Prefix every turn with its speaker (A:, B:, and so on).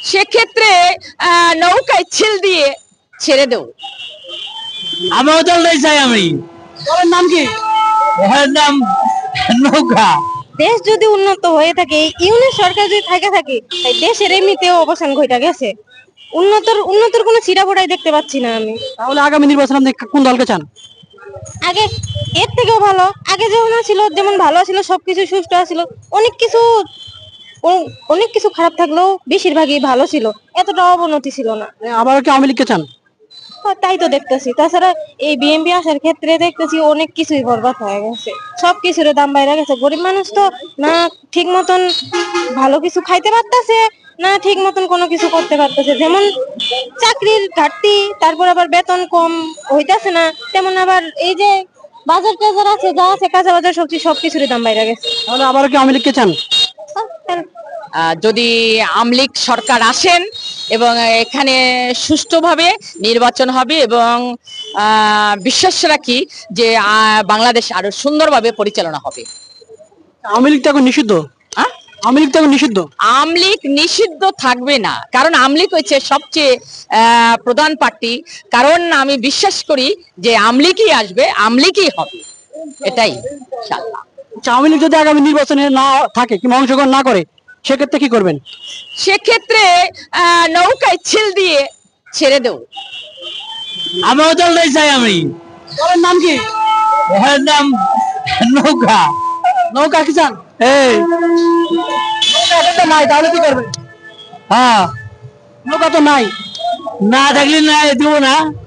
A: সেক্ষেত্রে নৌকায় ছিল দিয়ে ছেড়ে দেব।
B: আমিও দলটাই চাই। আমি
C: দলের নাম কি?
B: এর নাম নৌকা।
D: দেশ যদি উন্নত হয়ে থাকে, ইউনিট সরকার যদি থাকে তাই দেশের এমনিতেও অবসান ঘটা গেছে। উন্নতর কোনো চিরাফোড়াই দেখতে পাচ্ছি না আমি।
C: তাহলে আগামী নির্বাচনে আপনি কোন দলকে চান?
D: আগে এর থেকেও ভালো, আগে যেমন ছিল, যেমন ভালো ছিল, সবকিছু সুষ্ঠু ছিল। অনেক কিছু খারাপ থাকলেও বেশিরভাগই ভালো ছিল, এতটা অবনতি ছিল না।
C: আবারও কি আওয়ামী লীগকে চান?
D: তাই তো দেখতেছি। তাছাড়া এই বিএনপি আসার ক্ষেত্রে দেখতেছি অনেক কিছুই বরবাদ হয়ে গেছে, সবকিছুর দাম বাইরে গেছে। গরিব মানুষ তো না ঠিক মতন ভালো কিছু খাইতে পারতেছে, না ঠিক মতন কোনো কিছু করতে পারতেছে। যেমন চাকরির ঘাটতি, তারপর আবার বেতন কম হইতাছে না, তেমন আবার এই যে বাজার টাজার আছে, যা আছে কাঁচা বাজার সবজি সবকিছুরই দাম বাইরে গেছে।
C: তাহলে আবারও কি আওয়ামী লীগকে চান?
A: যদি আমলিক সরকার আসেন এবং এখানে সুষ্ঠুভাবে নির্বাচন হবে এবং বিশ্বাস রাখি যে বাংলাদেশ আরো সুন্দরভাবে পরিচালনা হবে।
C: আওয়ামী লীগ তো এখন নিষিদ্ধ।
A: হ্যাঁ,
C: আওয়ামী লীগ তো এখন নিষিদ্ধ।
A: আমলিক নিষিদ্ধ থাকবে না, কারণ আমলিক হচ্ছে সবচেয়ে প্রধান পার্টি। কারণ আমি বিশ্বাস করি যে আমলিকই আসবে, আমলিকই হবে, এটাই ইনশাআল্লাহ।
C: আওয়ামী লীগ যদি আগামী নির্বাচনে না থাকে কিংবা অংশগ্রহণ না করে, সেক্ষেত্রে কি করবেন?
A: সেক্ষেত্রে নৌকায় ছিল দিয়ে ছেড়ে দেব।
B: আমিও দলটাই চাই। আমি
C: দলের নাম কি?
B: এর নাম নৌকা।
C: নৌকা কি চান?
B: এই
C: নৌকা তো নাই, তাহলে কি করবেন?
B: হ্যাঁ,
C: নৌকা তো নাই।
B: না থাকলে না দিব না।